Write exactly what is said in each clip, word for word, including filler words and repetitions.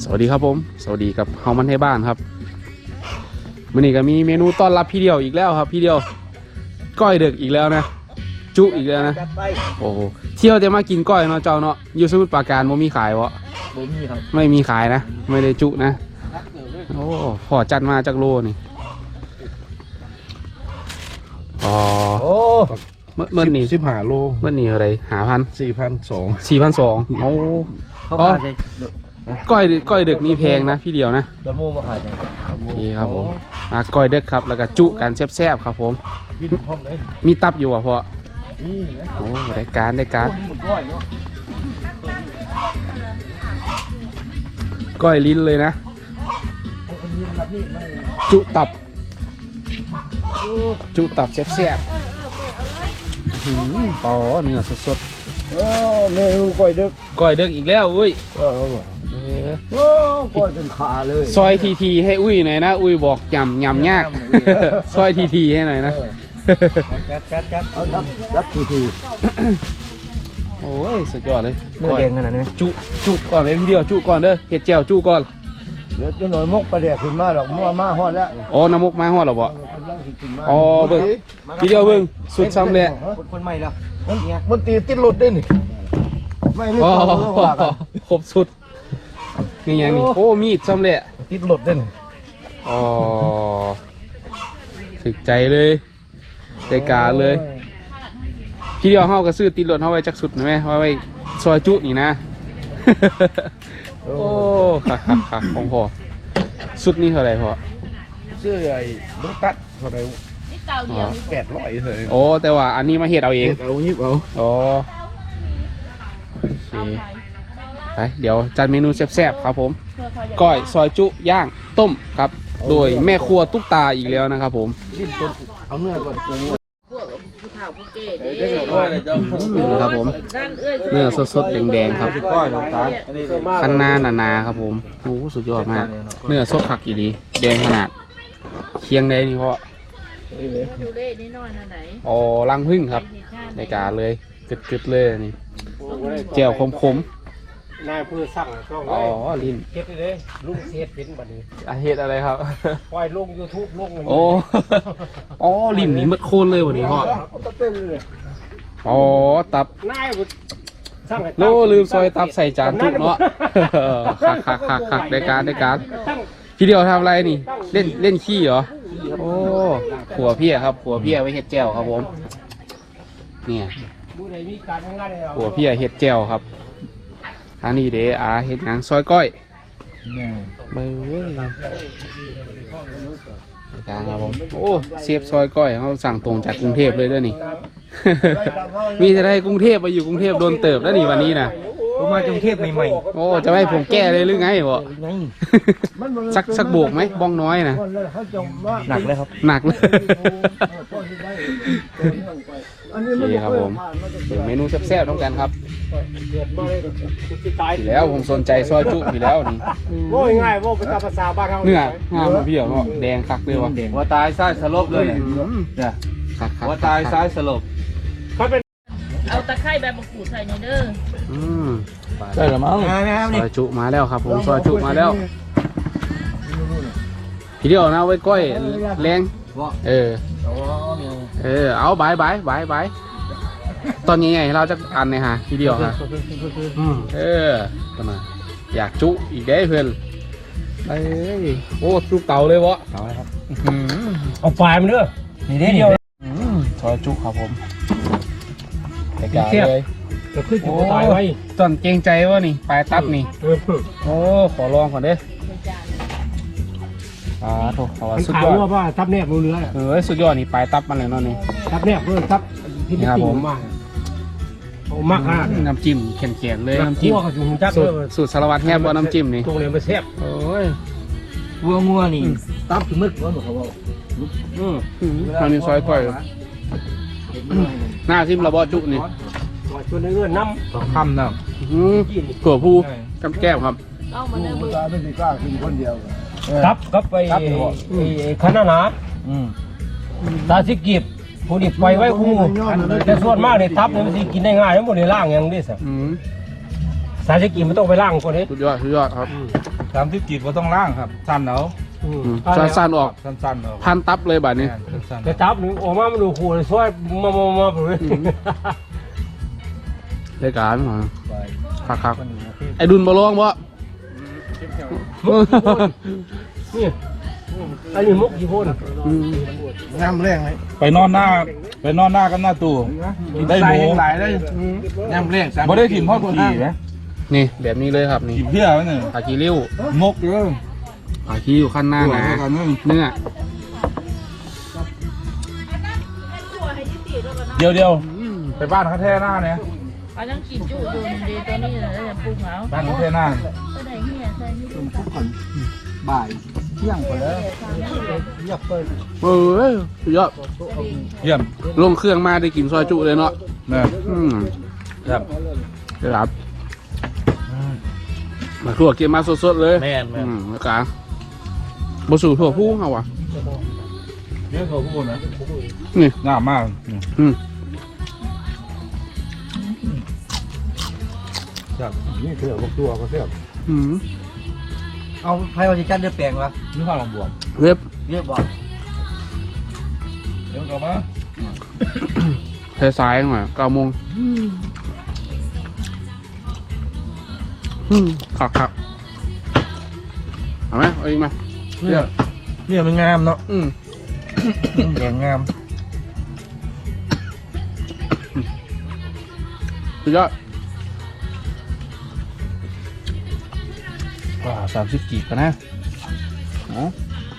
วัสดีครับผมสวัสดีกับเฮามันให้บ้านครับวันนี้ก็มีเมนูต้อนรับพี่เดียวอีกแล้วครับพี่เดียวก้อยเด็กอีกแล้วนะจุอีกแล้วนะโอ้โหเที่ยวจะมากินก้อยเนาะเจ้าเนาะอยู่สมุทรปราการไม่มีขายวะไม่มีครับไม่มีขายนะไม่ได้จุนะโอ้พอจัดมาจากโลนี่อ๋อโอ้เมื่อเมื่อนี่สิบห้าโลเมื่อนี่อะไรหาพันสี่พันสองสี่พันสองโอ้อ๋อก้อยก้อยเด็กนี่แพงนะพี่เดียวนะนี่ครับผมมาก้อยเด็กครับแล้วก็จุกันแซ่บๆครับผมมีตับอยู่อ่ะพ่อโอ้ได้การได้การก้อยลิ้นเลยนะจุตับจุตับแซ่บๆหืมต่อเนื้อสดๆโอ้เมนูก้อยเด็กก้อยเด็กอีกแล้วอุ้ยโอ้ก้อยเป็นขาเลยซอยทีทีให้อุ้ยหน่อยนะอุ้ยบอกยำยำยากซอยทีทีให้หน่อยนะกัดกัดกัดเอาดับดับทีทีโอ้ยสุดยอดเลยเนื้อแดงขนาดนี้จุจุก่อนเลยพี่เดียวจุก่อนเด้อเห็ดแจ่วจุก่อนเดี๋ยวจะหน่อยมกประเดี๋ยวขึ้นมาหรอกมั่วมาฮอดแล้วอ๋อน้ำมุกมาฮอดหรอบ่อ๋อเบิ่งพี่เดียวเบิ่งสุดซ้ำเลยคนใหม่แล้วมันตีติดหลุดได้นี่ไม่ไม่อ๋อครบสุดนี่ยังนี่โอ้มีดซ้ำเลยติดหลุดได้นี่อ๋อถึกใจเลยใจกาเลยพี่เดียวเฮาก็ซื้อติดรถเฮาไว้จักสุดนะแม่ไว้ซอยจุนี่นะโอ้ค่ะค่ะค่ะของพ่อสุดนี่เท่าไหร่พ่อซื้อไอ้ลูกตัดเท่าไหร่แปดร้อยเลยโอ้แต่ว่าอันนี้มาเฮ็ดเอาเองเอายิบเอาอ๋อโอเคไปเดี๋ยวจัดเมนูแซ่บๆครับผมก้อยซอยจุย่างต้มครับโดยแม่ครัวตุ๊กตาอีกแล้วนะครับผมเอาเนื้อก่อนครับผมเนื้อสดๆแดงๆครับคันนาหนาๆครับผมโอ้สุดยอดมากเนื้อสดผักอีดีแดงขนาดเคียงได้นี่เพราะอ๋อรังพึ่งครับในกาเลยกึดๆเลยนี่แจ่วคมๆนายผู้สั่งช่องอ๋อลิ้นเฮ็ดเลยลุงเฮ็ดเป็นบัดนี้เฮ็ดอะไรครับปล่อยลง YouTube ลงโอ้อ๋อลิ้นนี่มัดโคนเลยวันนี้พ่ออ๋อตับนายสั่งโลลืมซอยตับใส่จานจุกเนาะคักคักคักคักได้การได้การพี่เดียวทำอะไรนี่เล่นเล่นขี้เหรอโอ้ขัวเพี้ยครับขัวเพี้ยไว้เห็ดแจ่วครับผมเนี่ยขัวเพี้ยเห็ดแจ่วครับอันนี้เด้อาเห็ดหนังซอยก้อยเบอร์ครับผมโอ้เสียบซอยก้อยเขาสั่งตรงจากกรุงเทพเลยด้วยนี่มีจะได้กรุงเทพไปอยู่กรุงเทพโดนเติบแล้วนี่วันนี้นะผมมากรุงเทพใหม่ๆโอ้จะให้ผมแก้เลยหรือไงวะสักสักโบกไหมบ้องน้อยนะหนักเลยครับหนักเลยนี่ครับผมเมนูแซ่บๆต้องกันครับแล้วผมสนใจซอยจุอยู่แล้วนี่โว้ยง่ายโว้เป็นภาษาบ้านเราเนื้องามพี่เดียวเนาะแดงคักเลยวะหัวตายซ้ายสลบเลยเนี่ยหัวตายซ้ายสลบเอาตะไคร้แบบมะกรูดใส่ในเด้ออืมได้หรือมั้งซอยจุมาแล้วครับผมซอยจุมาแล้วพี่เดียวนะไว้ก้อยแรงเออเออเอาใบใบใบใบตอนนี้ไงเราจะอันเนี่ยฮะพี่เดียวฮะเออตอนนั้นอยากจุอีกได้เพื่อนเอ้ยโอ้จุเต่าเลยวะเอาเลยครับเอาไฟมันเด้อนี่เดียวซอยจุครับผมไปกาเลยจะขึ้นอยู่ตายไว้ตอนเกรงใจวะนี่ปลายตับนี่โอ้ขอลองก่อนเด้อ่าโถขอสุดยอดว่าทับแนบมือเนื้อเออสุดยอดนี่ปลายตับมันเลยเนาะนี่ทับแนบเพื่อทับที่นี่ผมมากโอ้มากมากน้ำจิ้มเข็นๆเลยน้ำจิ้มสูตรสารวัตรแฮบว่าน้ำจิ้มนี่ตรงนี้มันแซ่บโอ้ยวัวงัวนี่ตับถึงมึกว่าเขาบอกอืมทางนี้ซอยก้อยหน้าซิมระบอจุนี่ชวนเงื่อนน้ำคำนะถั่วพูกำแก้วครับเอามาเนื้อมือไม่ได้กล้ากินคนเดียวตับกับไปขนาดหนาตาสิกีบผู้ดิบไปไว้คู่แต่ส่วนมากเนี่ยตับเนี่ยมันสิกินได้ง่ายทั้งหมดในล่างอย่างนี้สิสาสิกีบไม่ต้องไปล่างคนนี้สุดยอดสุดยอดครับตสามสิบกีบก็ต้องล่างครับสั้นเอาอืมสั้นๆออกสั้นๆเอาพันตับเลยบาดนี้สั้นจะจับหนึ่งออกมามันดูขู่เลยซอยมามามาไปเลยรายการมาๆไปคักคักไอ้ดุนบอลองบ่นี่อันนี้มุกกี่คนอืมน้ำแรงไหมไปนอนหน้าไปนอนหน้ากับหน้าตู้ได้หมูหลายได้น้ำแรงบ่ได้ถิ่มทอดขี่ไหมนี่แบบนี้เลยครับนี่ขี่เพี้ยไหมเนี่ยขาคีริ้วมกเลยขาคีอยู่ขั้นหน้านะกันนึงเนื้อเดี๋ยวเดี๋ยวไปบ้านเขาแท่หน้าเนี่ยอันนั้นกินจุอยู่ดีตัวนี้เลยจะปรุงเอาบ้านเขาแท่หน้าก็ได้เหี้ยใส่นี่บ่ายเที่ยงไปแล้วเอ้ยสุดยอดเยี่ยมลงเครื่องมาได้กินซอยจุเลยเนาะนะอืมครับครับมาทั่วเก็บมาสดๆเลยแม่นแม่อืนมแล้วกันบสู่ทั่วผู้เขาวะเยอะเขาพูดนะนี่งามมากอืมครับนี่เสือพวกตัวก็เสืออืมเอาไพ่วันจันทร์เดือแปลงวะนี่ข้าวลองบวมเว็บเยอะบอกเดี๋ยวกลับมาสายๆหน่อยเก้าโมงอืมขักขักเอาไหมเอาอีกไหมเนี่ยเนี่ยมันงามเนาะอืมแดงงามสุดยอดว้าสามสิบกีบกันนะเนาะ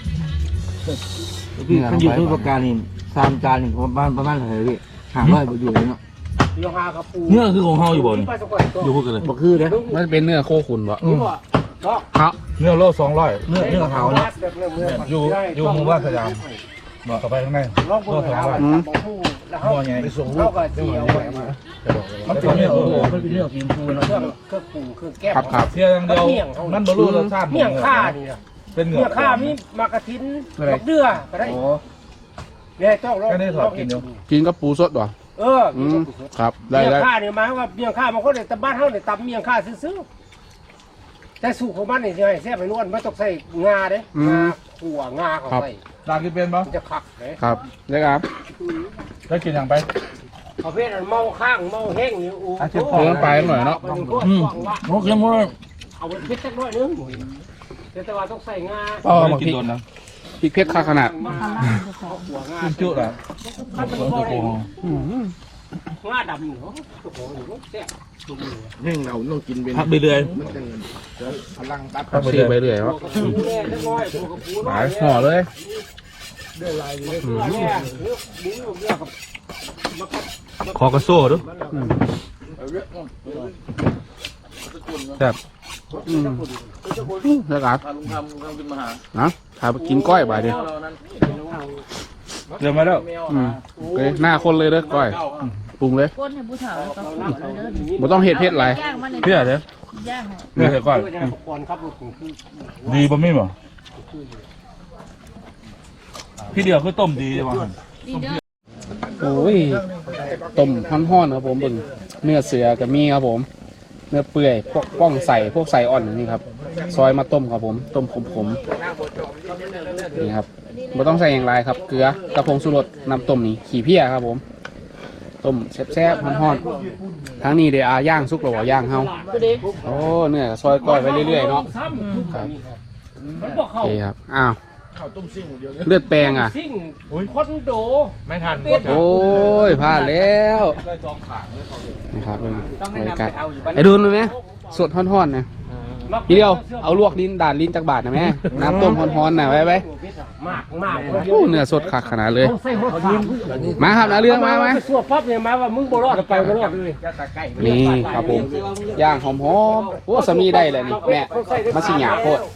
พี่มันอยู่ที่ประการนี่สามจานนี่ประมาณประมาณเท่าไหร่พี่หาร้อยบ่อยู่เลยเนาะโยฮากระปูเนื้อคือของเฮาอยู่บ่นี่ไปสักคนตัวอยู่พวกกันเลยบ่คือเด้อมันจะเป็นเนื้อโคขุนบ่นี่บ่ก็ครับเนื้อโลสองร้อยเนื้อเนื้อขาวเนาะอยู่อยู่หมู่บ้านสยามบอกเข้าไปข้างในลองเบิ่งแล้วอืมแล้วเขาไปส่งลูกก็เสียวไปมามันเป็นเนื้อโอ้โหมันเป็นเรื่องกินฟูเนาะเครื่องเครื่องปรุงเครื่องแก้มครับครับเสียอย่างเดียวมันบรรลุรสชาติเมี่ยงข้านี่นะเป็นเนื้เมี่อยงข้ามีมากระทินบักเดือก็ได้โอ้เนี่ยต้องลองแค่นี้ถอดกินเดียวกินกับปูสดบ่เอออืมครับได้เมี่ยงได้ข้าเนี่ยหมายว่าเมี่ยงข้าบางคนเนี่ยตำบ้านเฮาเนี่ยตำเมี่ยงข้าซื้อๆแต่สูตรของมันนี่สิให้แซ่บไปนวลไม่ต้องใส่งาเด้งาขั่วงาเข้าไปลากินเป็นปะมันจะคักเลยครับได้ครับได้กินอย่างไปประเภทอันเมาข้างเมาแห้งนี่โอ้อ่ะเจ็บคเพิ่มไปหน่อยเนาะอืมโอเคหมดเลยเอาไปเพชรสักหน่อยนึงแต่ว่าต้องใส่งาอ๋อไม่บางได้กินทีโดนนะพริกเพชรค่าขนาดมาขั่วงากินจุละขั้นตอนโอ้โหอืมงาดำเนาะตัวของอยู่แซ่บแห้งเราต้องกินเป็นพักไปเรื่อยมันจะพลังตัดครับซีไปเรื่อยครับกระปูแน่เล็กน้อยตัวกระปูน้อยห่อเลยเนื้อแน่เนื้อหมูเนื้อกับคอกระโซ่ด้วยอืมแซ่บอืมได้ครับนะถ้าไปกินก้อยบ่ายเดียวเดี๋ยวมาแล้วอืมโอเคหน้าคนเลยเด้อก้อยปรุงเลยก้นให้ผู้เฒ่าแล้วก็ขูดเลยเด้อบ่ต้องเห็ดเผ็ดไรย่างมันในเพี้ยเด้อย่างให้เพี้ยเสร็จก่อนก่อนครับคือดีป่ะไม่บ่พี่เดียวคือต้มดีใช่ไหมนี่เด้อโอ้ยต้มฮ้อนๆครับผมเบิ่งเนื้อเสือกับมีครับผม เนื้อเปื่อยพวกป้องใส่พวกใส่อ่อนนี่ครับ ซอยมาต้มครับผม ต้มขมๆนี่ครับไม่ต้องใส่อย่างไรครับ เกลือกระพงสุรสน้ำต้มนี่ขี้เพี้ยครับผม ต้มแซ่บๆฮ้อนๆทั้งนี้เดี๋ยวอาย่างซุกหรือว่าย่างเฮาโอ้เนื้อซอยก้อยไปเรื่อยๆเนาะครับโอเคครับอ้าวเลือดแปลงอ่ะซิ่งคอนโดไม่ทันโอ้ยพลาดแล้วนะครับบรรยากาศไอ้ดูนเลยไหมสดฮ้อนๆนะทีเดียวเอาลวกลิ้นด่านลิ้นจากบาทนะแม่น้ำต้มฮ้อนๆนะไว้ไว้มากมากโอ้เนื้อสดคักขนาดเลยใส่หัวขามาครับนะเรื่องมาไหมสวดปั๊บเนี่ยมาว่ามึงบ่รอดไปบ่รอดเลยนี่ครับผมย่างหอมๆโอ้สามีได้เลยนี่แม่มาสิหยาโคตร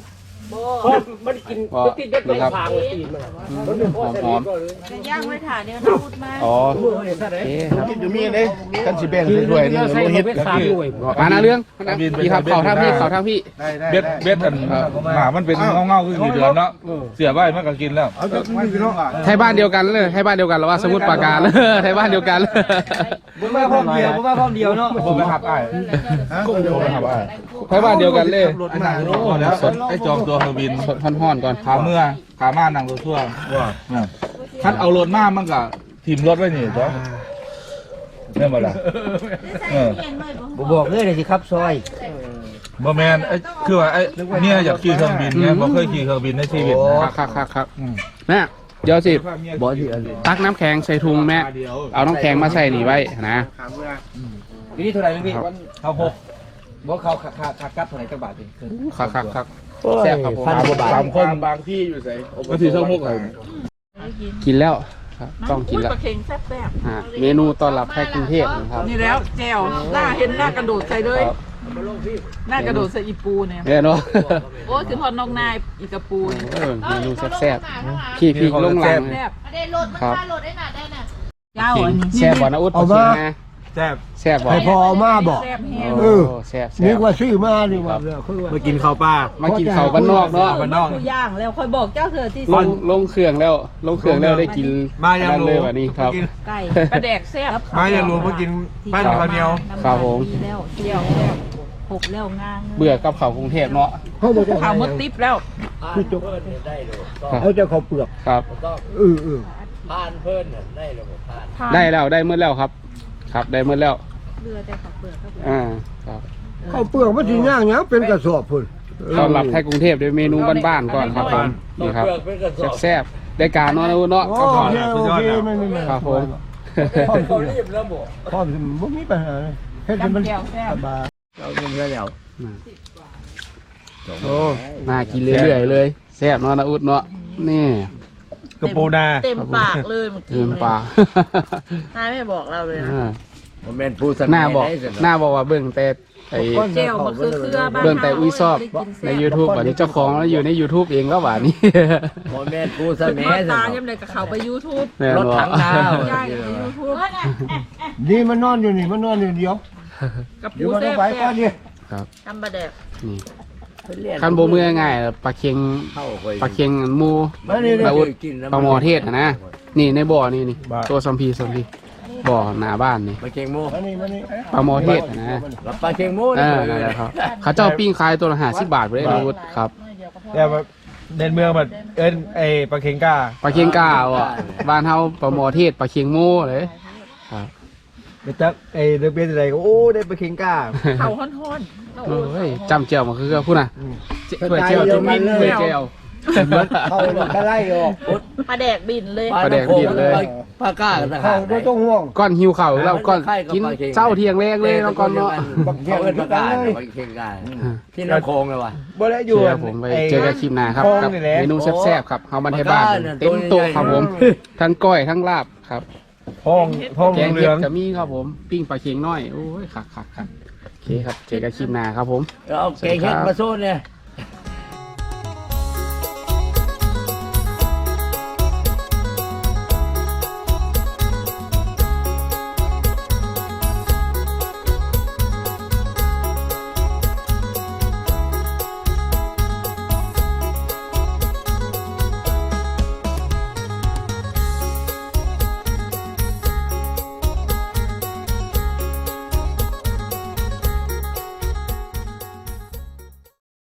เพราะมันกินมันติดได้ไก่พางเลยตีนมันหอมหอมจะย่างไว้ถ่าเดียวนะพูดมาอ๋อมือเนี่ยซะโอได้เคครับกินอยู่มีเลยกันสิแบ่งด้วยนี่ใส่เฮ็ดเม็ดสามด้วยมาหน้าเรื่องนะพี่ครับเขาทางพี่เขาทางพี่ได้ได้เบ็ดเบ็ดอันหมามันเป็นเงาๆคือกี่เดือนเนาะเสียใบมันก็กินแล้วเอาจากมันพี่น้องอ่ะไทยบ้านเดียวกันเลยไทยบ้านเดียวกันหรือว่าสมุทรปราการไทยบ้านเดียวกันผมมาพร้อมเดียวผมมาพร้อมเดียวเนาะผมไปขับไอ้กุ้งเดียวผมไปขับไอ้ไทยบ้านเดียวกันเลยรถมาโอ้แล้วไอ้จองตัวเครื่องบินสดห่อนๆก่อนขาเมื่อขามานั่งรถทั่วว่าคัดเอารถมามันก็ทีมรถไว้นี่จ้ะเนี่ยมาละเออผมบอกเลยเลยสิครับซอยบ่แมนไอ้คือว่าไอ้เนี่ยอยากขี่เครื่องบินเนี่ยบ่เคยขี่เครื่องบินในชีวิตครับครับครับครับแม่เดี๋ยวสิบอที่อันตักน้ำแข็งใส่ถุงแม่เอาน้ำแข็งมาใส่นี่ไว้นะทีนี้เท่าไหร่พี่เขาหกบอกเขาขาขาขากัดเท่าไหร่จักบาทดิครับครับครับแซ่บครับผมพันกว่าบาทสามคนบางที่อยู่ใส่ก็ถือช่องมุกไอ้กินแล้วครับต้องกินแล้วปลาเค็งแซ่บแซ่บอ่าเมนูต้อนรับแขกกรุงเทพนะครับนี่แล้วแจวหน้าเห็นหน้ากระโดดใส่เลย หน้ากระโดดใส่อีปูเนี่ยเนี่ยเนาะโอ้คือทอดนอกนายอีกระปูเนี่ยเออเมนูแซ่บๆพี่พี่ลงหลังแซ่บได้โหลดมันค่าโหลดได้หนาได้น่ะเจ้าอันนี้แซ่บบ่นะอุดเอามาแซ่บแซ่บบ่ให้พอมาบอกแซ่บแห้งเออแซ่บแซ่นึกบว่าซื้อมานี่ว่าคือว่ามากินข้าวปลามากินข้าวบ้านนอกเนาะบ้านนอกผู้ย่างแล้วคอยบอกเจ้าเธอที่ลงลงเครื่องแล้วลงเครื่องแล้วได้กินมายังอันนั้นรู้เลยวันนี้ครับไก่ปลาแดกแซ่บมายังรู้มากินบ้านข้าวเหนียวครับผมดีแล้วเที่ยวแล้วหกแล้วงางเบื่อกับข้าวกรุงเทพเนาะเขาบอกจะข่าวมดติ๊บแล้วคือจกเขาจะเขาเปลือกครับเออเออได้แล้วได้เมื่อแล้วครับ ครับได้เมื่อแล้วเรือแต่ขับเปลือกก็เปลือกอ่าครับเขาเปลือกมันสิย่างเนี้ยเป็นกระสอบพุ่นต้อนรับไทยกรุงเทพด้วยเมนูบ้านๆก่อนครับผมนี่ครับแซ่บๆได้การเนาะนะอุดเนาะโอครับผมเคโอเคไม่ไม่ไม่ครับผมพ่อเขารีบแล้วบอกพ่อมันไม่มีปัญหาเลยเฮ็ดให้มันจำแก้วแซ่บสบายเราเงินแล้วโอ้น่ากินเรื่อยๆเลยแซ่บเนาะนะอุดเนาะนี่กระปูนาเต็มปากเลยเมื่อกี้เติมปลานายไม่บอกเราเลยนะอ่าผมเป็นผู้สหน้าบอกหน้าบอกว่าเบิ่งแต่ไอ้เจลมันคือเครือบ้านเบิ่งแต่อุ้ยซอบใน YouTube บัดนี้เจ้าของแล้วอยู่ใน YouTube เองแล้วบัดนี้ผมเป็นผู้สแม่มัยตายังเลยกับเขาไปยูทูบแน่รถนอถันงดาวย่างไปยูทูบนี่มันนอนอยู่นี่มันนอนอยู่เดียวกับเดี๋ยวปูมันแซ่ต้องบไปก่อนดิครับทำบะแดกนี่คันโบมือง่ายๆปลาเค็งปลาเค็งหมูมานี่ปลาอุดปลาหมอเทศอะนะนี่ในบ่อนี่นี่ตัวสัมพีสัมพีบ่อหน้าบ้านนี่ปลาเค็งโม่มานี่มานี่ปลาหมอเทศอะนะรับปลาเค็งโม่เออนั่นแหละครับเขาเจ้าปิ้งขายตัวละห้าสิบบาทไปเลยนะวุฒิครับแต่ว่าเดินเมืองแบบเอิ้นไอ้ปลาเค็งก้าปลาเค็งกาวอ่ะบ้านเฮาปลาหมอเทศปลาเค็งโม่เลยครับไปจับไอ้เด็กเป็นอะไรก็โอ้ได้ปลาเค็งก้าเขาฮ้อนๆโอ้ยจำเจียวมาคือพูดนะถ้วยเจียวจุ่มมินถ้วยเจียวเขาทะไล่ออกปลาแดกบินเลยปลาแดกบินเลยปลาก้ากันนะคเขารับไม่ต้องห่วงก้อนหิวเข่าวแล้วก้อนกินเช้าเที่ยงแรกเลยแล้วก้อนเนาะเขาเป็นปลาก้าปลาเค็งก้าที่น้ำโคงเลยว่ะบ่ได้อเจยู่อผมไปเจอกันคลิปหน้าครับกับเมนูแซ่บๆครับเฮามันให้บ้านเต็มโต๊ะครับผมทั้งก้อยทั้งลาบครับท้องท้องแกงเหเห็ลืดองจะมีครับผมปิ้งปลาเค็งน้อยโอ้ยคักคักคักโอเคครับเจอกันคลิปหน้าครับผมเอาเก่งเฮ็ดมาโซนเนี่ยค